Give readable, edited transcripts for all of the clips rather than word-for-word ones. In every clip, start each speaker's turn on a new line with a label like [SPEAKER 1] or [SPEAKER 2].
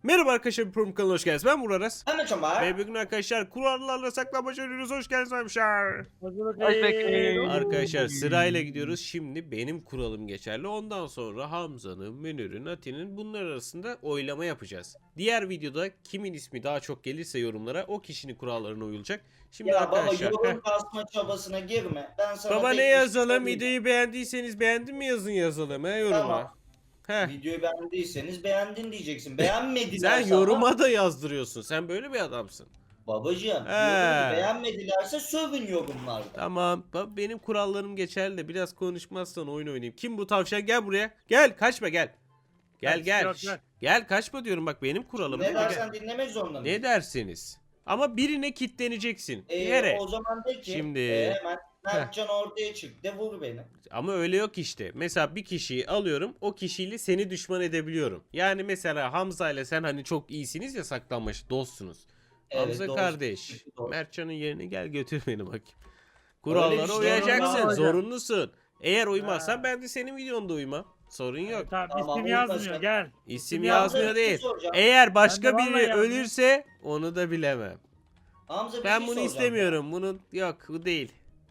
[SPEAKER 1] Merhaba arkadaşlar, bir program kanalına hoş geldiniz. Ben Murat Aras.
[SPEAKER 2] Hemen çomar.
[SPEAKER 1] Ve bugün arkadaşlar kurallarla saklambaç oynuyoruz. Hoş geldiniz arkadaşlar.
[SPEAKER 3] Hoş
[SPEAKER 1] Arkadaşlar sırayla gidiyoruz. Şimdi benim kuralım geçerli. Ondan sonra Hamza'nın, Münir'in, Ati'nin bunlar arasında oylama yapacağız. Diğer videoda kimin ismi daha çok gelirse yorumlara o kişinin kurallarına uyulacak. Şimdi
[SPEAKER 2] Ya
[SPEAKER 1] arkadaşlar.
[SPEAKER 2] baba yorum kasma çabasına girme. Ben sana
[SPEAKER 1] Baba
[SPEAKER 2] tek
[SPEAKER 1] ne
[SPEAKER 2] bir
[SPEAKER 1] yazalım?
[SPEAKER 2] söyleyeyim.
[SPEAKER 1] Videoyu beğendiyseniz beğendim mi yazın yazalım yoruma.
[SPEAKER 2] Tamam.
[SPEAKER 1] Heh.
[SPEAKER 2] Videoyu beğendiyseniz beğendin diyeceksin. Beğenmediler
[SPEAKER 1] Sen yoruma da yazdırıyorsun. Sen böyle bir adamsın.
[SPEAKER 2] Babacığım diyorum ki
[SPEAKER 1] He.
[SPEAKER 2] beğenmedilerse sövün yorumlarda.
[SPEAKER 1] Tamam. Benim kurallarım geçerli de biraz konuşmazsan oyun oynayayım. Kim bu tavşan? Gel buraya. Gel, kaçma gel. Gel
[SPEAKER 3] Kaç,
[SPEAKER 1] gel.
[SPEAKER 3] yok,
[SPEAKER 1] Şşş,
[SPEAKER 3] yok.
[SPEAKER 1] Gel kaçma diyorum, bak benim kuralım.
[SPEAKER 2] Ne
[SPEAKER 1] değil mi? Gel.
[SPEAKER 2] dersen dinlemek zorunda mıyım?
[SPEAKER 1] Ne dersiniz? Ama birine kitleneceksin. Bir yere.
[SPEAKER 2] O zaman de ki
[SPEAKER 1] Şimdi-
[SPEAKER 2] hemen Mertcan ortaya çık de vur beni.
[SPEAKER 1] Ama öyle yok işte. Mesela bir kişiyi alıyorum. O kişiyle seni düşman edebiliyorum. Yani mesela Hamza ile sen hani çok iyisiniz ya, saklanmaç dostsunuz.
[SPEAKER 2] Evet,
[SPEAKER 1] Hamza
[SPEAKER 2] dost.
[SPEAKER 1] kardeş.
[SPEAKER 2] Dost.
[SPEAKER 1] Mertcan'ın yerine gel götür beni bakayım.
[SPEAKER 2] Öyle
[SPEAKER 1] Kurallara
[SPEAKER 2] bir şey
[SPEAKER 1] uyacaksın.
[SPEAKER 3] olmaz.
[SPEAKER 1] Zorunlusun. Eğer uymazsan
[SPEAKER 3] Ha.
[SPEAKER 1] ben de senin videonda uymam. Sorun yok.
[SPEAKER 3] Tamam,
[SPEAKER 2] Tamam,
[SPEAKER 3] isim
[SPEAKER 2] uymasın.
[SPEAKER 3] yazmıyor gel.
[SPEAKER 1] İsim
[SPEAKER 3] Hamza,
[SPEAKER 1] yazmıyor
[SPEAKER 2] bir şey
[SPEAKER 1] değil.
[SPEAKER 2] soracağım.
[SPEAKER 1] Eğer başka
[SPEAKER 3] Ben de vallahi
[SPEAKER 1] biri
[SPEAKER 3] yazmıyor.
[SPEAKER 1] ölürse onu da bilemem.
[SPEAKER 2] Hamza bir
[SPEAKER 1] Ben
[SPEAKER 2] şey
[SPEAKER 1] bunu
[SPEAKER 2] soracağım.
[SPEAKER 1] istemiyorum. Bunun yok, bu değil.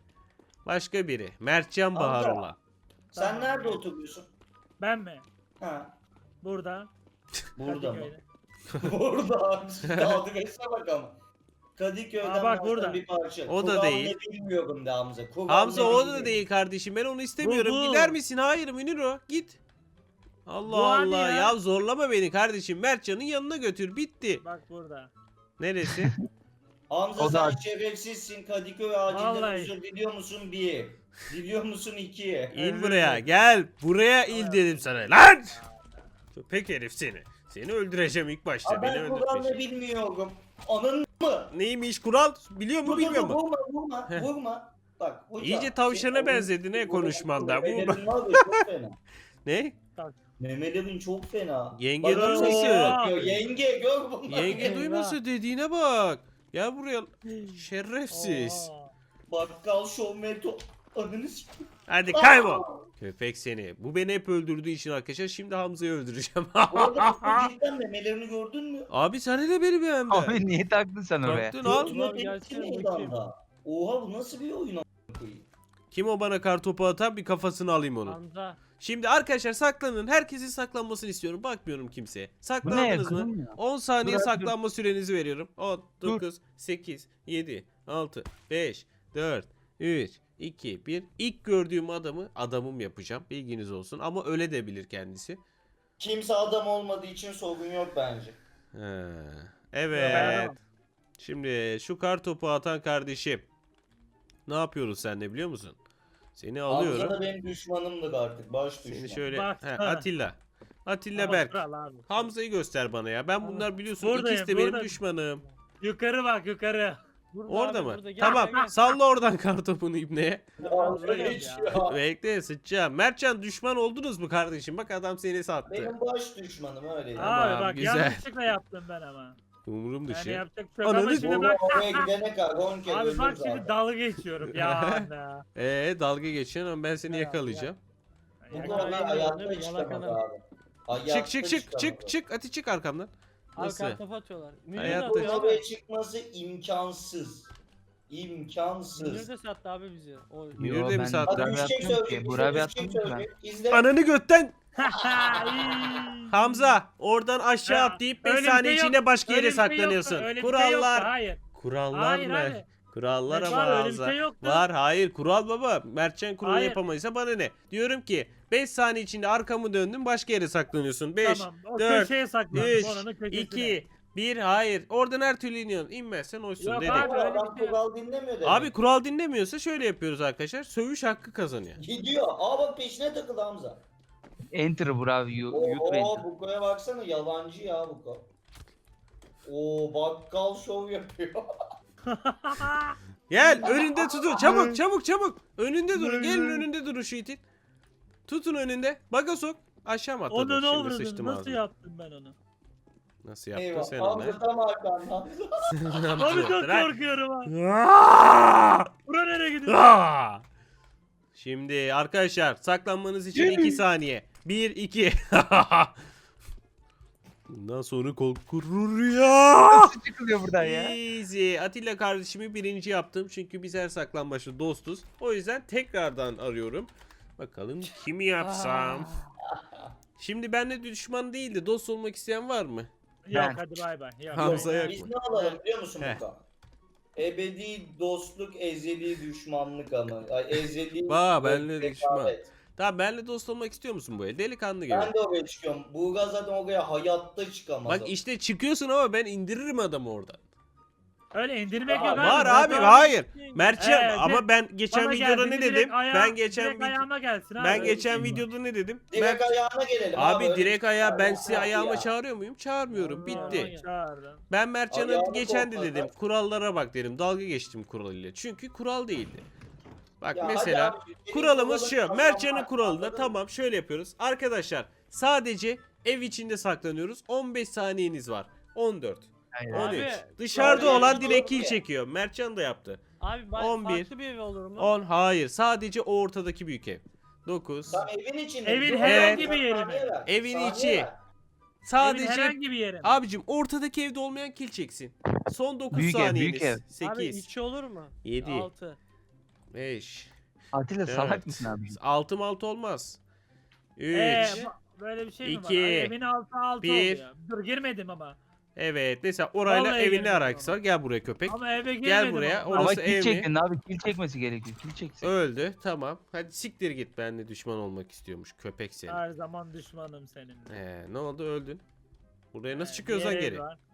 [SPEAKER 1] Başka biri. Mertcan
[SPEAKER 2] Hamza.
[SPEAKER 1] Baharula.
[SPEAKER 2] Sen
[SPEAKER 3] Tamam.
[SPEAKER 2] nerede oturuyorsun?
[SPEAKER 3] Ben mi?
[SPEAKER 2] Ha.
[SPEAKER 3] Burada.
[SPEAKER 2] Burada mı?
[SPEAKER 3] Kadıköy'de.
[SPEAKER 2] Burada. Adresine bak ama. Kadıköy'den
[SPEAKER 3] Aa, bak
[SPEAKER 2] başka
[SPEAKER 3] burada.
[SPEAKER 2] bir parça.
[SPEAKER 1] O da
[SPEAKER 2] Kural
[SPEAKER 1] değil.
[SPEAKER 2] ne bilmiyorum de Hamza. Kural
[SPEAKER 1] Hamza
[SPEAKER 2] ne
[SPEAKER 1] o da
[SPEAKER 2] bilmiyorum.
[SPEAKER 1] değil kardeşim. Ben onu istemiyorum.
[SPEAKER 3] Bu.
[SPEAKER 1] Gider misin? Hayır Münir o. Git. Allah
[SPEAKER 3] Bu hani
[SPEAKER 1] Allah.
[SPEAKER 3] ya.
[SPEAKER 1] Ya zorlama beni kardeşim. Mertcan'ın yanına götür. Bitti.
[SPEAKER 3] Bak burada.
[SPEAKER 1] Neresi?
[SPEAKER 2] Hamza
[SPEAKER 4] O
[SPEAKER 2] sen
[SPEAKER 4] da-
[SPEAKER 2] şerefsizsin. Kadıköy acilden
[SPEAKER 3] Vallahi.
[SPEAKER 2] özür diliyor musun? Bir. Diliyor musun? İki.
[SPEAKER 1] İn
[SPEAKER 3] Özür
[SPEAKER 1] buraya.
[SPEAKER 3] dilerim.
[SPEAKER 1] Gel. Buraya il dedim sana. Lan! Köpek herif seni. Seni öldüreceğim ilk başta.
[SPEAKER 2] Aa,
[SPEAKER 1] Beni
[SPEAKER 2] ben kural ne
[SPEAKER 1] öldürteceksin.
[SPEAKER 2] bilmiyorum. Anın mı?
[SPEAKER 1] Neymiş kural? Biliyor mu
[SPEAKER 2] Dur,
[SPEAKER 1] bilmiyor
[SPEAKER 2] dur,
[SPEAKER 1] mu?
[SPEAKER 2] Vurma vurma
[SPEAKER 1] Heh.
[SPEAKER 2] vurma. Bak hocam.
[SPEAKER 1] İyice tavşana
[SPEAKER 2] senin
[SPEAKER 1] benzedin he
[SPEAKER 2] oyun-
[SPEAKER 1] konuşmanda.
[SPEAKER 2] Memelerin
[SPEAKER 1] Bu
[SPEAKER 2] var ya, çok fena.
[SPEAKER 1] ne?
[SPEAKER 2] Memelerin çok fena.
[SPEAKER 1] Yenge
[SPEAKER 2] Bana
[SPEAKER 1] duymasın.
[SPEAKER 2] şey yapıyor, Yenge gör bunları.
[SPEAKER 1] Yenge
[SPEAKER 3] Eyvah.
[SPEAKER 1] duyması dediğine bak. Ya buraya şerefsiz.
[SPEAKER 3] Oo.
[SPEAKER 2] Bakkal şov meto. Ananı sikeyim.
[SPEAKER 1] Hadi kaybol. Köpek seni. Bu beni hep öldürdüğü için arkadaşlar şimdi Hamza'yı öldüreceğim.
[SPEAKER 2] Bu arada bu cidden memelerini gördün mü?
[SPEAKER 1] Abi sen de beni beğendin.
[SPEAKER 4] Abi niye taktın sen oraya?
[SPEAKER 1] Taktın al.
[SPEAKER 3] Gördüm.
[SPEAKER 2] Götüne
[SPEAKER 3] Gerçekten
[SPEAKER 2] neydi
[SPEAKER 3] bakayım.
[SPEAKER 2] anda? Oha bu nasıl bir oyun a**ına koyayım?
[SPEAKER 1] Kim o bana kartopu atan, bir kafasını alayım onun.
[SPEAKER 3] Hamza.
[SPEAKER 1] Şimdi arkadaşlar saklanın. Herkesin saklanmasını istiyorum. Bakmıyorum kimseye.
[SPEAKER 4] Bu ne?
[SPEAKER 1] Saklandınız mı?
[SPEAKER 4] Kızım ya.
[SPEAKER 1] 10 saniye
[SPEAKER 4] Dur abi,
[SPEAKER 1] saklanma sürenizi veriyorum. 10, 9, 8, 7, 6, 5, 4, 3, 2, 1. İlk gördüğüm adamım yapacağım. Bilginiz olsun. Ama öyle de bilir kendisi.
[SPEAKER 2] Kimse adam olmadığı için sorun yok bence.
[SPEAKER 1] He.
[SPEAKER 3] Ben
[SPEAKER 1] Evet.
[SPEAKER 3] adamım.
[SPEAKER 1] Şimdi şu kartopu atan kardeşim. Ne yapıyoruz seninle biliyor musun? Seni
[SPEAKER 2] Hamza
[SPEAKER 1] alıyorum.
[SPEAKER 2] da benim düşmanımdır artık. Baş düşman.
[SPEAKER 1] Seni şöyle
[SPEAKER 3] Bak.
[SPEAKER 1] Atilla. Atilla
[SPEAKER 3] Ama
[SPEAKER 1] Berk.
[SPEAKER 3] kral abi.
[SPEAKER 1] Hamza'yı göster bana ya. Ben
[SPEAKER 3] Tamam.
[SPEAKER 1] bunlar biliyorsun
[SPEAKER 3] Buradayım,
[SPEAKER 1] ikisi de benim
[SPEAKER 3] buradayım.
[SPEAKER 1] düşmanım.
[SPEAKER 3] Yukarı bak yukarı.
[SPEAKER 1] Orada mı? Tamam. Salla oradan kartopunu ibneye.
[SPEAKER 2] Hamza hiç ya.
[SPEAKER 1] Bekle sıçacağım. Mertcan düşman oldunuz mu kardeşim? Bak adam seni sattı.
[SPEAKER 2] Benim baş düşmanım öyle.
[SPEAKER 1] Tamam,
[SPEAKER 3] Abi bak
[SPEAKER 1] güzel.
[SPEAKER 3] yanlışlıkla yaptım ben ama.
[SPEAKER 1] Umurum
[SPEAKER 3] Yani
[SPEAKER 1] dışı.
[SPEAKER 3] yapacak bir şey yok ama
[SPEAKER 1] Ananı
[SPEAKER 3] şimdi
[SPEAKER 2] Oraya,
[SPEAKER 3] bak.
[SPEAKER 2] oraya gidene kadar 10 kere
[SPEAKER 3] Abi
[SPEAKER 2] öldüm
[SPEAKER 3] bak
[SPEAKER 2] zaten.
[SPEAKER 3] şimdi dalga geçiyorum ya anne.
[SPEAKER 1] Dalga geçiyorsun ama ben seni
[SPEAKER 3] Ya,
[SPEAKER 1] yakalayacağım.
[SPEAKER 2] Bu
[SPEAKER 3] Ya,
[SPEAKER 2] konuda
[SPEAKER 3] ya,
[SPEAKER 2] hayatta
[SPEAKER 3] ya,
[SPEAKER 2] çıkamaz
[SPEAKER 3] yalakalar.
[SPEAKER 2] abi. Hayatta
[SPEAKER 1] Çık
[SPEAKER 2] çıkamaz.
[SPEAKER 1] çık. Ati çık arkamdan.
[SPEAKER 5] Abi
[SPEAKER 1] Nasıl?
[SPEAKER 5] kartopu atıyorlar. Münir de
[SPEAKER 1] Hayatta-
[SPEAKER 5] atıyor abi.
[SPEAKER 2] Oraya çıkması imkansız. İmkansız.
[SPEAKER 5] Münir de sattı abi bizi. O
[SPEAKER 1] Münir
[SPEAKER 4] Yo,
[SPEAKER 1] de mi
[SPEAKER 4] ben
[SPEAKER 1] sattı?
[SPEAKER 2] Hadi
[SPEAKER 4] Burak
[SPEAKER 2] bir şey
[SPEAKER 4] atmıyorum ki.
[SPEAKER 2] söyleyeyim.
[SPEAKER 4] Burak
[SPEAKER 2] Bir şey
[SPEAKER 4] atmıyorum ki ben.
[SPEAKER 2] söyleyeyim. İzle.
[SPEAKER 1] Ananı götten.
[SPEAKER 3] İyi.
[SPEAKER 1] Hamza oradan aşağı
[SPEAKER 3] Ya,
[SPEAKER 1] atlayıp 5
[SPEAKER 3] öyle bir
[SPEAKER 1] saniye
[SPEAKER 3] şey
[SPEAKER 1] içinde
[SPEAKER 3] yok.
[SPEAKER 1] başka
[SPEAKER 3] Öyle
[SPEAKER 1] yere
[SPEAKER 3] bir şey yoktu,
[SPEAKER 1] saklanıyorsun.
[SPEAKER 3] öyle bir şey
[SPEAKER 1] Kurallar.
[SPEAKER 3] yoktu, hayır.
[SPEAKER 1] Kurallar
[SPEAKER 3] Hayır
[SPEAKER 1] mı?
[SPEAKER 3] abi.
[SPEAKER 1] Kurallar
[SPEAKER 3] Evet
[SPEAKER 1] ama
[SPEAKER 3] abi, öyle bir
[SPEAKER 1] Hamza.
[SPEAKER 3] şey yoktu.
[SPEAKER 1] Var hayır kural baba. Mertcan kuralı
[SPEAKER 3] Hayır.
[SPEAKER 1] yapamaysa bana ne? Diyorum ki 5 saniye içinde arkamı döndüm başka yere saklanıyorsun. 5,
[SPEAKER 3] Tamam. O
[SPEAKER 1] 4,
[SPEAKER 3] köşeye saklandım.
[SPEAKER 1] 3,
[SPEAKER 3] Oranın köşesine.
[SPEAKER 1] 2, 1 hayır. Oradan her türlü iniyorsun. İnmezsen oysun
[SPEAKER 3] Yok
[SPEAKER 1] dedik.
[SPEAKER 3] abi, öyle
[SPEAKER 2] Adam
[SPEAKER 3] bir şey yok.
[SPEAKER 2] kural dinlemiyor demek.
[SPEAKER 1] Abi kural dinlemiyorsa şöyle yapıyoruz arkadaşlar. Sövüş hakkı kazanıyor.
[SPEAKER 2] Gidiyor. Aa bak peşine takıldı Hamza.
[SPEAKER 4] Enter Burak. YouTube
[SPEAKER 2] Oo
[SPEAKER 4] enter.
[SPEAKER 2] Buko'ya baksana yalancı ya Buko. Oo bakkal şov yapıyor.
[SPEAKER 1] Gel önünde tutun. Çabuk çabuk çabuk. Önünde durun. Gelin önünde durun şu itin. Tutun önünde. Baga sok. Aşağı mı atladın?
[SPEAKER 3] Onu ne
[SPEAKER 1] Şimdi
[SPEAKER 3] oldu?
[SPEAKER 1] sıçtım
[SPEAKER 3] Nasıl
[SPEAKER 1] ağzına.
[SPEAKER 3] yaptım ben onu?
[SPEAKER 1] Nasıl yaptın
[SPEAKER 2] Eyvah.
[SPEAKER 1] sen onu?
[SPEAKER 2] Hamza tam arkamda. Hamza.
[SPEAKER 3] Abi çok
[SPEAKER 1] Bırak.
[SPEAKER 3] korkuyorum ha.
[SPEAKER 1] Aaaa!
[SPEAKER 3] Bura nereye gidiyor?
[SPEAKER 1] Aa! Şimdi arkadaşlar saklanmanız için 2 saniye. 1 2. Bundan sonra korkur ya.
[SPEAKER 4] Nasıl çıkılıyor buradan ya?
[SPEAKER 1] Easy. Atilla kardeşimi birinci yaptım. Çünkü biz her saklambaçta dostuz. O yüzden tekrardan arıyorum. Bakalım kimi yapsam. Şimdi benimle düşman değil de dost olmak isteyen var mı?
[SPEAKER 3] Yok
[SPEAKER 4] Ben.
[SPEAKER 3] hadi bay bay. Yok,
[SPEAKER 1] Hamza
[SPEAKER 3] bay bay.
[SPEAKER 1] yak
[SPEAKER 2] Biz
[SPEAKER 1] mı?
[SPEAKER 2] ne alalım biliyor musun
[SPEAKER 1] Heh.
[SPEAKER 2] Buka? Ebedi dostluk, ezeli düşmanlık ama. Ay, ezeli
[SPEAKER 1] Benle
[SPEAKER 2] rekabet.
[SPEAKER 1] düşman. Tamam benimle dost olmak istiyor musun bu el? Delikanlı gibi.
[SPEAKER 2] Ben de oraya çıkıyorum. Buğra zaten oraya hayatta çıkamaz.
[SPEAKER 1] Bak işte çıkıyorsun ama ben indiririm adamı oradan.
[SPEAKER 3] Öyle indirmek
[SPEAKER 2] Aa,
[SPEAKER 3] yok abi.
[SPEAKER 1] Var
[SPEAKER 3] Zaten
[SPEAKER 1] abi hayır.
[SPEAKER 3] Evet,
[SPEAKER 1] Mertcan ama ben geçen
[SPEAKER 3] bana
[SPEAKER 1] videoda
[SPEAKER 3] geldi,
[SPEAKER 1] ne
[SPEAKER 3] direkt
[SPEAKER 1] dedim?
[SPEAKER 3] ayağa- direkt ayağıma gelsin abi.
[SPEAKER 1] Ben
[SPEAKER 3] öyle
[SPEAKER 1] geçen
[SPEAKER 3] bir şey var.
[SPEAKER 1] videoda ne dedim?
[SPEAKER 2] Direkt
[SPEAKER 1] Mert-
[SPEAKER 2] ayağına gelelim
[SPEAKER 1] Abi
[SPEAKER 2] öyle
[SPEAKER 1] direkt
[SPEAKER 2] bir şey
[SPEAKER 1] ayağa
[SPEAKER 2] var.
[SPEAKER 1] ben
[SPEAKER 2] Yok
[SPEAKER 1] sizi
[SPEAKER 2] abi
[SPEAKER 1] ayağıma
[SPEAKER 2] ya.
[SPEAKER 1] çağırıyor muyum? Çağırmıyorum. Bitti.
[SPEAKER 3] Çağırdım.
[SPEAKER 1] Ben Mertcan'a
[SPEAKER 2] Ayağını
[SPEAKER 1] geçen de
[SPEAKER 2] topladı.
[SPEAKER 1] dedim kurallara bak dedim. Dalga geçtim kural ile. Çünkü kural değildi. Bak
[SPEAKER 2] Ya
[SPEAKER 1] mesela
[SPEAKER 2] hadi abi, senin
[SPEAKER 1] kuralımız
[SPEAKER 2] kuralın
[SPEAKER 1] şu. Mertcan'ın
[SPEAKER 2] kazanmak,
[SPEAKER 1] kuralında
[SPEAKER 2] anladın mı?
[SPEAKER 1] tamam şöyle yapıyoruz. Arkadaşlar sadece ev içinde saklanıyoruz. 15 saniyeniz var. 14,
[SPEAKER 4] Aynen.
[SPEAKER 1] 13.
[SPEAKER 5] Abi,
[SPEAKER 1] Dışarıda
[SPEAKER 2] abi,
[SPEAKER 1] olan
[SPEAKER 2] abi,
[SPEAKER 1] direkt
[SPEAKER 2] abi.
[SPEAKER 1] kill çekiyor. Mertcan da yaptı.
[SPEAKER 5] Abi
[SPEAKER 1] 11,
[SPEAKER 5] farklı bir ev olur mu?
[SPEAKER 1] 10 hayır. Sadece o ortadaki büyük ev. 9.
[SPEAKER 2] Tam evin içinde.
[SPEAKER 3] Evin
[SPEAKER 2] Dur,
[SPEAKER 1] herhangi
[SPEAKER 3] bir yeri
[SPEAKER 2] saniye
[SPEAKER 3] mi?
[SPEAKER 2] ver,
[SPEAKER 1] Evin
[SPEAKER 2] saniye
[SPEAKER 1] içi.
[SPEAKER 2] ver.
[SPEAKER 3] Evin
[SPEAKER 1] Sadece
[SPEAKER 3] herhangi bir yere.
[SPEAKER 1] abicim ortadaki evde olmayan kill çeksin. Son 9
[SPEAKER 4] Büyük ev,
[SPEAKER 1] saniyeniz.
[SPEAKER 4] büyük ev.
[SPEAKER 5] Abi
[SPEAKER 1] 8,
[SPEAKER 5] içi olur mu?
[SPEAKER 1] 7,
[SPEAKER 5] 6.
[SPEAKER 1] 5,
[SPEAKER 4] Atilla salak
[SPEAKER 1] Evet.
[SPEAKER 4] mısın abi?
[SPEAKER 1] 6 olmaz. 3.
[SPEAKER 3] Böyle bir şey mi var?
[SPEAKER 1] İki,
[SPEAKER 3] Ay, evin altı
[SPEAKER 1] bir.
[SPEAKER 3] oluyor. Dur girmedim ama.
[SPEAKER 1] Evet. Mesela orayla
[SPEAKER 3] Vallahi
[SPEAKER 1] evin ne
[SPEAKER 3] girmedim
[SPEAKER 1] alakası var? Gel buraya köpek.
[SPEAKER 3] Ama eve girmedim.
[SPEAKER 1] Gel buraya,
[SPEAKER 3] ama.
[SPEAKER 1] orası
[SPEAKER 4] Ama
[SPEAKER 1] ev mi?
[SPEAKER 4] kill çektin abi. Kill çekmesi gerekiyor. Kill çeksin.
[SPEAKER 1] Öldü. Tamam. Hadi siktir git. Benimle düşman olmak istiyormuş. Köpek seni.
[SPEAKER 3] Her zaman düşmanım senin.
[SPEAKER 1] Ne oldu? Öldün. Buraya nasıl çıkıyoruz lan
[SPEAKER 3] Bir ev
[SPEAKER 1] geri?
[SPEAKER 3] var.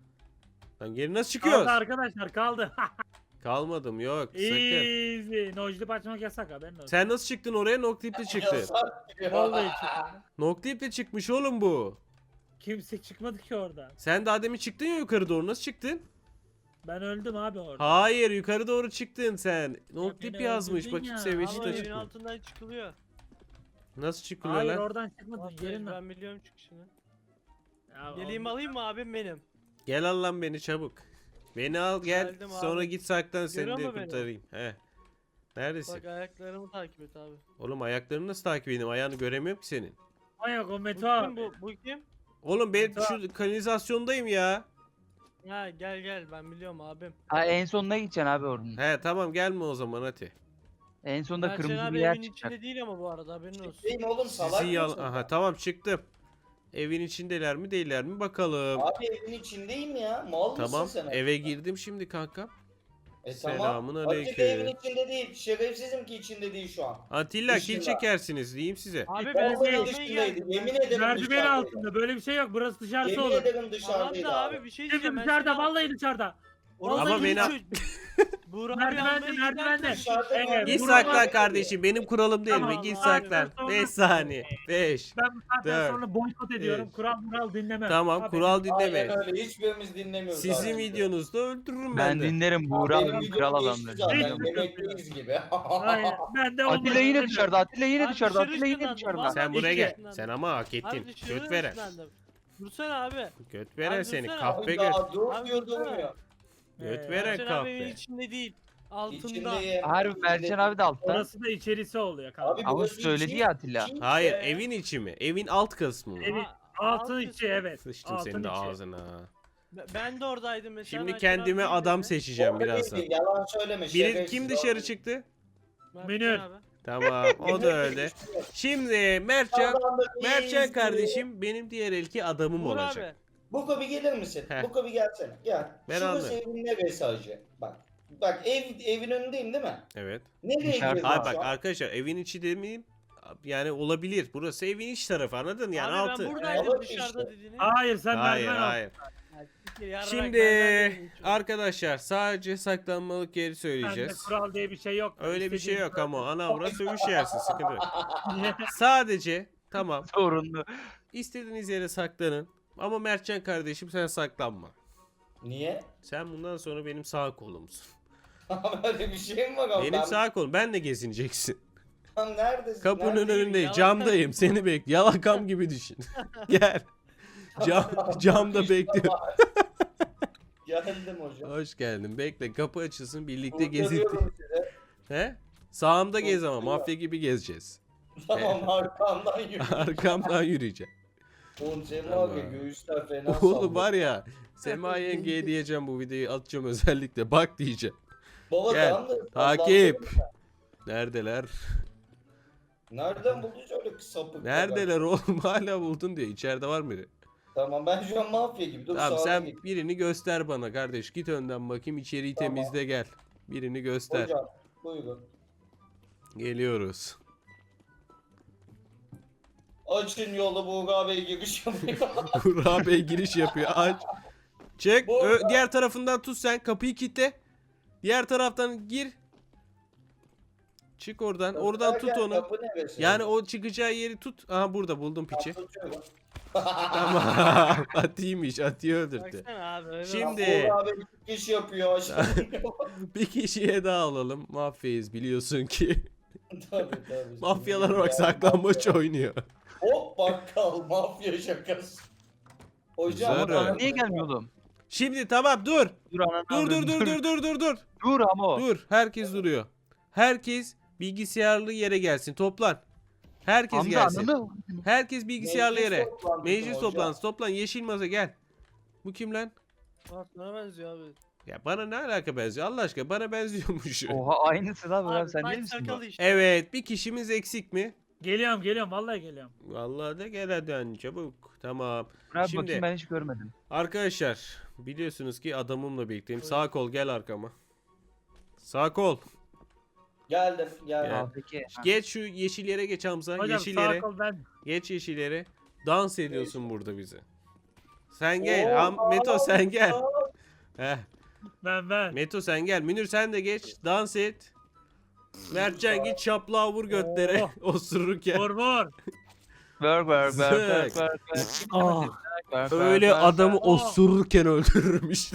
[SPEAKER 1] Lan geri nasıl çıkıyoruz?
[SPEAKER 3] Kaldı arkadaşlar kaldı.
[SPEAKER 1] Kalmadım yok. Sakın.
[SPEAKER 3] Easy. Nojlip açmak yasak haberin olsun.
[SPEAKER 1] Sen nasıl çıktın oraya? Noclip'le çıktın.
[SPEAKER 2] Yasak diyor.
[SPEAKER 3] Vallahi çıktı.
[SPEAKER 1] Noclip'le çıkmış oğlum bu.
[SPEAKER 3] Kimse çıkmadı ki orada.
[SPEAKER 1] Sen daha demin çıktın ya yukarı doğru. Nasıl çıktın?
[SPEAKER 3] Ben öldüm abi orada.
[SPEAKER 1] Hayır yukarı doğru çıktın sen. Noclip
[SPEAKER 3] beni
[SPEAKER 1] yazmış.
[SPEAKER 3] öldürdün
[SPEAKER 1] Bakayım
[SPEAKER 3] ya.
[SPEAKER 1] seviyesi
[SPEAKER 5] Ama
[SPEAKER 1] de
[SPEAKER 5] evin
[SPEAKER 1] çıkmış.
[SPEAKER 5] altından çıkılıyor.
[SPEAKER 1] Nasıl çıkılıyor
[SPEAKER 3] Hayır
[SPEAKER 1] lan?
[SPEAKER 3] oradan çıkmadın.
[SPEAKER 5] Vallahi
[SPEAKER 3] Yerin
[SPEAKER 5] ben biliyorum çıkışını.
[SPEAKER 3] Ya,
[SPEAKER 5] Geleyim alayım mı abim benim?
[SPEAKER 1] Gel al lan beni çabuk. Beni al gel.
[SPEAKER 5] Geldim
[SPEAKER 1] Sonra
[SPEAKER 5] abi.
[SPEAKER 1] git saklan seni
[SPEAKER 5] Görüyor
[SPEAKER 1] de
[SPEAKER 5] mu beni?
[SPEAKER 1] kurtarayım. He. Neredesin?
[SPEAKER 5] Bak ayaklarımı takip et abi.
[SPEAKER 1] Oğlum ayaklarını nasıl takip edeyim? Ayağını göremiyorum ki senin.
[SPEAKER 3] Ay yok o
[SPEAKER 5] Bu
[SPEAKER 3] Meto
[SPEAKER 5] kim
[SPEAKER 3] abi.
[SPEAKER 5] bu kim?
[SPEAKER 1] Oğlum ben
[SPEAKER 3] Tamam.
[SPEAKER 1] şu kanalizasyondayım ya.
[SPEAKER 5] Ha gel ben biliyorum abim.
[SPEAKER 4] Ha, en sonuna gideceksin abi oradan.
[SPEAKER 1] He tamam gelme o zaman hadi.
[SPEAKER 4] En sonunda
[SPEAKER 5] Mertcan
[SPEAKER 4] kırmızı
[SPEAKER 5] abi
[SPEAKER 4] bir yer
[SPEAKER 5] evin
[SPEAKER 4] çıkacak.
[SPEAKER 5] içinde değil ama bu arada haberin olsun.
[SPEAKER 2] Değil mi oğlum salak
[SPEAKER 1] Sizi
[SPEAKER 2] mısın?
[SPEAKER 1] Aha tamam çıktım. Evin içindeler mi değiller mi bakalım.
[SPEAKER 2] Abi evin içindeyim ya. Mal
[SPEAKER 1] Tamam
[SPEAKER 2] mısın sen?
[SPEAKER 1] eve girdim şimdi kanka.
[SPEAKER 2] Tamam.
[SPEAKER 1] Selamun
[SPEAKER 2] Açık
[SPEAKER 1] aleyküm.
[SPEAKER 2] evin içinde değil. Şerefsizim ki içinde değil şu an.
[SPEAKER 1] Atilla
[SPEAKER 2] Dışında.
[SPEAKER 1] kill çekersiniz diyeyim size.
[SPEAKER 5] Abi ben
[SPEAKER 2] Vallahi
[SPEAKER 5] seni almaya
[SPEAKER 2] dışındaydı.
[SPEAKER 5] geldim.
[SPEAKER 2] Yemin ederim
[SPEAKER 3] Merdiven
[SPEAKER 2] dışarıdaydı.
[SPEAKER 3] altında böyle bir şey yok. Burası dışarısı
[SPEAKER 2] Yemin
[SPEAKER 3] olur.
[SPEAKER 2] ederim
[SPEAKER 5] Tamam
[SPEAKER 2] dışarıdaydı
[SPEAKER 5] da
[SPEAKER 2] abi.
[SPEAKER 5] abi bir şey
[SPEAKER 3] Şimdi
[SPEAKER 5] diyeceğim. ben
[SPEAKER 3] dışarıda
[SPEAKER 5] seni al-
[SPEAKER 3] vallahi dışarıda.
[SPEAKER 5] Orası
[SPEAKER 1] Ama beni-
[SPEAKER 5] Buğra abi
[SPEAKER 3] Merdivende,
[SPEAKER 5] almaya
[SPEAKER 3] merdivende.
[SPEAKER 5] giderken-
[SPEAKER 2] Dışarıda
[SPEAKER 3] Evet,
[SPEAKER 2] kaldı.
[SPEAKER 1] Git
[SPEAKER 3] Bunu
[SPEAKER 1] saklan
[SPEAKER 3] var-
[SPEAKER 1] kardeşim benim kuralım değil mi?
[SPEAKER 3] Tamam,
[SPEAKER 1] Git
[SPEAKER 3] abi,
[SPEAKER 1] saklan.
[SPEAKER 3] sonra-
[SPEAKER 1] 5 saniye. 5.
[SPEAKER 3] Ben bu saatten
[SPEAKER 1] Dört,
[SPEAKER 3] sonra boykot ediyorum.
[SPEAKER 1] üç.
[SPEAKER 3] Kural dinlemem.
[SPEAKER 1] Tamam
[SPEAKER 3] Abi,
[SPEAKER 1] kural dinleme.
[SPEAKER 2] Aynen öyle. Hiçbirimiz dinlemiyoruz.
[SPEAKER 1] Sizin
[SPEAKER 2] abi.
[SPEAKER 1] videonuzda öldürürüm
[SPEAKER 4] Ben
[SPEAKER 1] ben de.
[SPEAKER 4] dinlerim Buğra
[SPEAKER 2] Benim
[SPEAKER 4] abi
[SPEAKER 2] videom
[SPEAKER 4] kral
[SPEAKER 2] geçti
[SPEAKER 4] adamdır.
[SPEAKER 2] zaten.
[SPEAKER 3] Hiç
[SPEAKER 2] Yemekteyiz gibi.
[SPEAKER 3] Aynen. Ben de
[SPEAKER 4] Atilla
[SPEAKER 3] olmadı.
[SPEAKER 4] yine dışarıda. Atilla yine
[SPEAKER 5] Abi
[SPEAKER 4] dışarıda.
[SPEAKER 5] dışarı
[SPEAKER 4] Atilla yine
[SPEAKER 5] ışınlandım,
[SPEAKER 4] dışarıda.
[SPEAKER 5] vallahi.
[SPEAKER 1] Sen buraya
[SPEAKER 3] İki.
[SPEAKER 1] gel. Sen ama hak ettin.
[SPEAKER 5] Abi dışarı
[SPEAKER 1] Göt veren.
[SPEAKER 5] ışınlandım. Dursana abi.
[SPEAKER 1] Göt veren
[SPEAKER 5] Abi
[SPEAKER 1] seni.
[SPEAKER 5] dursana.
[SPEAKER 1] Kahpe
[SPEAKER 2] Abi
[SPEAKER 1] göt.
[SPEAKER 2] daha dur
[SPEAKER 5] Abi
[SPEAKER 2] diyor
[SPEAKER 5] dursana.
[SPEAKER 2] durmuyor.
[SPEAKER 1] Göt veren
[SPEAKER 5] Mertcan abi evin
[SPEAKER 1] kahpe.
[SPEAKER 5] içinde değil. Altında.
[SPEAKER 2] İçindeyim.
[SPEAKER 4] Harbi Mertcan abi de altta.
[SPEAKER 3] Orası da içerisi oluyor kanka.
[SPEAKER 2] Abi
[SPEAKER 4] Ama
[SPEAKER 2] burası
[SPEAKER 4] söyledi
[SPEAKER 2] içi-
[SPEAKER 4] ya Atilla.
[SPEAKER 2] içi
[SPEAKER 1] Hayır
[SPEAKER 2] ya.
[SPEAKER 1] evin içi mi? Evin alt kısmı mı?
[SPEAKER 3] Evin
[SPEAKER 5] Aa,
[SPEAKER 3] altın
[SPEAKER 5] alt
[SPEAKER 3] içi
[SPEAKER 5] kısmı.
[SPEAKER 3] evet.
[SPEAKER 1] Sıçtım
[SPEAKER 3] Altın
[SPEAKER 1] senin de
[SPEAKER 3] içi.
[SPEAKER 1] ağzına.
[SPEAKER 5] Ben de oradaydım mesela.
[SPEAKER 1] Şimdi
[SPEAKER 5] Mertcan abi
[SPEAKER 1] kendime
[SPEAKER 5] değil
[SPEAKER 1] adam
[SPEAKER 5] dedi.
[SPEAKER 1] seçeceğim
[SPEAKER 2] Orada
[SPEAKER 1] birazdan.
[SPEAKER 2] değil, yalan söyleme.
[SPEAKER 1] Biri
[SPEAKER 2] şerefsiz
[SPEAKER 1] kim
[SPEAKER 2] o.
[SPEAKER 1] dışarı çıktı?
[SPEAKER 5] Mertcan
[SPEAKER 3] Münir.
[SPEAKER 5] abi.
[SPEAKER 1] Tamam o da öyle. Şimdi Mertcan
[SPEAKER 2] Kazandık, iyiyiz.
[SPEAKER 1] kardeşim benim diğer elki adamım
[SPEAKER 5] Buğra
[SPEAKER 1] olacak.
[SPEAKER 5] abi.
[SPEAKER 2] Buko bir gelir misin?
[SPEAKER 1] Heh.
[SPEAKER 2] Buko bir gelsene. Gel.
[SPEAKER 1] Ben
[SPEAKER 2] Şurası
[SPEAKER 1] anlıyorum.
[SPEAKER 2] evin neresi hacı? Bak. Bak evin önündeyim değil mi?
[SPEAKER 1] Evet.
[SPEAKER 2] Nereye
[SPEAKER 4] Dışarıda.
[SPEAKER 2] gidiyorsun
[SPEAKER 1] Ay bak
[SPEAKER 2] şu an?
[SPEAKER 1] arkadaşlar evin içi demeyeyim. Yani olabilir. Burası evin iç tarafı anladın yani
[SPEAKER 5] abi
[SPEAKER 1] altı.
[SPEAKER 5] ben buradaydım
[SPEAKER 2] Evet,
[SPEAKER 5] dışarıda
[SPEAKER 2] işte.
[SPEAKER 5] dediğini.
[SPEAKER 3] Hayır sen
[SPEAKER 1] Hayır
[SPEAKER 3] merdiven al.
[SPEAKER 1] hayır.
[SPEAKER 5] Ya, siktir, yarrak
[SPEAKER 1] Şimdi
[SPEAKER 5] benden değil, hiç yok.
[SPEAKER 1] arkadaşlar sadece saklanmalık yeri
[SPEAKER 3] Bende
[SPEAKER 1] söyleyeceğiz.
[SPEAKER 3] kural diye bir şey yok.
[SPEAKER 1] Öyle bir şey
[SPEAKER 3] İstediğin-
[SPEAKER 1] yok ama ana avra sövüş yersin sıkıntı yok. Sadece tamam
[SPEAKER 4] Sorunlu.
[SPEAKER 1] istediğiniz yere saklanın ama Mertcan kardeşim sen saklanma.
[SPEAKER 2] Niye?
[SPEAKER 1] Sen bundan sonra benim sağ kolumsun.
[SPEAKER 2] Böyle bir şey mi var abi?
[SPEAKER 1] Benim sağ kolum benle gezineceksin.
[SPEAKER 2] Ben neredesin?
[SPEAKER 1] Kapının
[SPEAKER 2] Neredeyim?
[SPEAKER 1] önündeyim
[SPEAKER 5] Yalan
[SPEAKER 1] camdayım seni bekle yalakam gibi düşün. Gel. Camda bekliyorum.
[SPEAKER 2] Geldim hocam.
[SPEAKER 1] Hoş geldin bekle kapı açılsın birlikte gezinti.
[SPEAKER 2] Kurtarıyorum sizi.
[SPEAKER 1] He? Sağımda gez ama
[SPEAKER 2] Kurtarıyorum.
[SPEAKER 1] mafya gibi gezeceğiz.
[SPEAKER 2] Tamam arkamdan yürü.
[SPEAKER 1] Arkamdan yürüyeceğim.
[SPEAKER 2] Oğlum Sema
[SPEAKER 1] Tamam.
[SPEAKER 2] abi göğüsler fena
[SPEAKER 1] Oğlum
[SPEAKER 2] sallıyor.
[SPEAKER 1] var ya, Sema yengeye diyeceğim, bu videoyu atacağım özellikle. Bak diyeceğim.
[SPEAKER 2] Baba
[SPEAKER 1] Gel,
[SPEAKER 2] tamam da
[SPEAKER 1] takip.
[SPEAKER 2] sallandırma.
[SPEAKER 1] Neredeler?
[SPEAKER 2] Nereden buldun öyle sapık?
[SPEAKER 1] Neredeler oğlum? Hala buldun diyor. İçeride var mıydı?
[SPEAKER 2] Tamam ben şu an mafya gibi. Dur
[SPEAKER 1] Tamam,
[SPEAKER 2] sağa
[SPEAKER 1] sen
[SPEAKER 2] git.
[SPEAKER 1] birini göster bana kardeş. Git önden bakayım, içeriği
[SPEAKER 2] Tamam.
[SPEAKER 1] temizle gel. Birini göster.
[SPEAKER 2] Hocam buyurun.
[SPEAKER 1] Geliyoruz.
[SPEAKER 2] Açın yolu Buğra Bey giriş yapıyor.
[SPEAKER 1] Burak Bey giriş yapıyor. Aç. Çek.
[SPEAKER 2] Buğra.
[SPEAKER 1] Diğer tarafından tut sen. Kapıyı kilitle. Diğer taraftan gir. Çık oradan. Oradan tut
[SPEAKER 2] Derken
[SPEAKER 1] onu.
[SPEAKER 2] kapı neresi?
[SPEAKER 1] Yani o çıkacağı yeri tut. Aha, burada buldum piçi.
[SPEAKER 2] Tutuyorum.
[SPEAKER 1] Tamam. Atıymış. Atıyı öldürdü.
[SPEAKER 5] Baksana abi. öyle
[SPEAKER 1] Şimdi-
[SPEAKER 2] Buğra Bey giriş yapıyor. Aşağı
[SPEAKER 1] Bir kişiye daha alalım. Mafyayız biliyorsun ki.
[SPEAKER 2] Tabii tabii.
[SPEAKER 1] Mafyalar bak
[SPEAKER 2] Ya,
[SPEAKER 1] saklambaç
[SPEAKER 2] mafya.
[SPEAKER 1] oynuyor.
[SPEAKER 2] Hop bakkal mafya şakası. Hocam
[SPEAKER 1] Güzel
[SPEAKER 4] Bana
[SPEAKER 1] öyle.
[SPEAKER 4] niye gelmiyor oğlum?
[SPEAKER 1] Şimdi tamam, dur.
[SPEAKER 4] Dur ananı
[SPEAKER 1] Dur dur
[SPEAKER 4] avradım,
[SPEAKER 1] dur dur dur dur dur.
[SPEAKER 4] Dur ama o.
[SPEAKER 1] Dur. Herkes duruyor. Herkes bilgisayarlı yere gelsin. Toplan. Herkes
[SPEAKER 4] Hamza
[SPEAKER 1] gelsin.
[SPEAKER 4] ananı.
[SPEAKER 1] Herkes bilgisayarlı yere.
[SPEAKER 2] toplantısı
[SPEAKER 1] Meclis
[SPEAKER 2] hocam.
[SPEAKER 1] toplantısı. Toplan. Yeşil masa gel. Bu kim lan?
[SPEAKER 5] Aa, sana benziyor abi.
[SPEAKER 1] Ya bana ne alaka benziyor? Allah aşkına bana benziyormuş.
[SPEAKER 4] Oha aynısı lan Burak
[SPEAKER 5] Abi
[SPEAKER 4] sen değil
[SPEAKER 5] saç
[SPEAKER 4] misin bu?
[SPEAKER 5] sakalı işte.
[SPEAKER 1] Evet, bir kişimiz eksik mi?
[SPEAKER 3] Geliyorum vallahi geliyorum.
[SPEAKER 1] Vallahi de gel hadi çabuk. Tamam.
[SPEAKER 4] Burak
[SPEAKER 1] Şimdi-
[SPEAKER 4] bakayım ben hiç görmedim.
[SPEAKER 1] Arkadaşlar biliyorsunuz ki adamımla birlikteyim. Sağ kol gel arkama. Sağ kol.
[SPEAKER 2] Geldim
[SPEAKER 1] Gel.
[SPEAKER 2] geldim.
[SPEAKER 4] Aa, peki. Ha.
[SPEAKER 1] Geç şu yeşil yere geç Hamza.
[SPEAKER 3] Hocam
[SPEAKER 1] Yeşil
[SPEAKER 3] sağ
[SPEAKER 1] yere.
[SPEAKER 3] kol ben.
[SPEAKER 1] Geç yeşil yere. Dans ediyorsun burada bize. Sen gel.
[SPEAKER 2] Oo,
[SPEAKER 1] Meto sen gel.
[SPEAKER 2] aa,
[SPEAKER 1] Heh.
[SPEAKER 3] Ben.
[SPEAKER 1] Meto sen gel. Münir sen de geç. Dans et. Mertcan git şaplağı vur götlere. Osururken.
[SPEAKER 3] Vur vur.
[SPEAKER 4] Work.
[SPEAKER 3] Ah.
[SPEAKER 1] Öyle adamı osururken öldürürüm işte.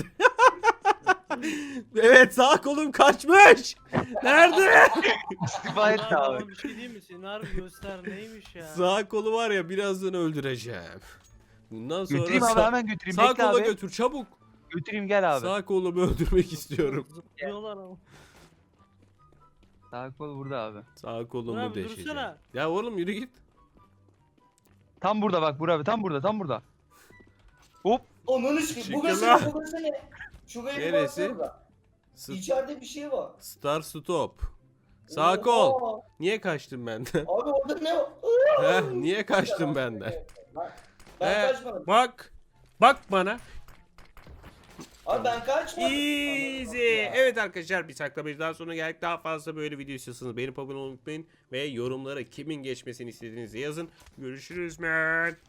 [SPEAKER 1] Evet, sağ kolum kaçmış. Nerede?
[SPEAKER 4] İstifa et
[SPEAKER 5] Abi
[SPEAKER 4] abi.
[SPEAKER 5] ama bir şey diyeyim mi? Senin harbi göster neymiş ya.
[SPEAKER 1] Sağ kolu var ya, birazdan öldüreceğim. Bundan sonra
[SPEAKER 4] Götüreyim abi hemen götüreyim.
[SPEAKER 1] sağ
[SPEAKER 4] Bekle
[SPEAKER 1] kola
[SPEAKER 4] abi.
[SPEAKER 1] götür çabuk.
[SPEAKER 4] Götüreyim gel abi.
[SPEAKER 1] Sağ kolumu öldürmek istiyorum.
[SPEAKER 5] Zıplıyorlar ama.
[SPEAKER 4] Sağ kol burada abi.
[SPEAKER 1] Sağ kolumu
[SPEAKER 5] Abi
[SPEAKER 1] deşeceğim.
[SPEAKER 5] dursana.
[SPEAKER 1] Ya oğlum yürü git.
[SPEAKER 4] Tam burada bak Burak abi tam burada. Hop.
[SPEAKER 2] Ananı sikeyim.
[SPEAKER 1] Çıkın
[SPEAKER 2] Burası
[SPEAKER 1] lan.
[SPEAKER 2] ne? Burası ne? Şuraya bir
[SPEAKER 1] Neresi?
[SPEAKER 2] baksanıza.
[SPEAKER 1] S-
[SPEAKER 2] İçeride bir şey var.
[SPEAKER 1] Star stop. Sağ
[SPEAKER 2] Oha.
[SPEAKER 1] kol. Niye kaçtın benden?
[SPEAKER 2] Abi orada ne var?
[SPEAKER 1] Heh, niye kaçtın benden?
[SPEAKER 2] Ben
[SPEAKER 1] He.
[SPEAKER 2] kaçmadım.
[SPEAKER 1] Bak. Bak bana.
[SPEAKER 2] Abi ben kaçmadım.
[SPEAKER 1] Easy. Evet arkadaşlar, bir saklamacıdan sonra geldik. Daha fazla böyle video istiyorsanız beğenip abone olmayı unutmayın. Ve yorumlara kimin geçmesini istediğinizi yazın. Görüşürüz man.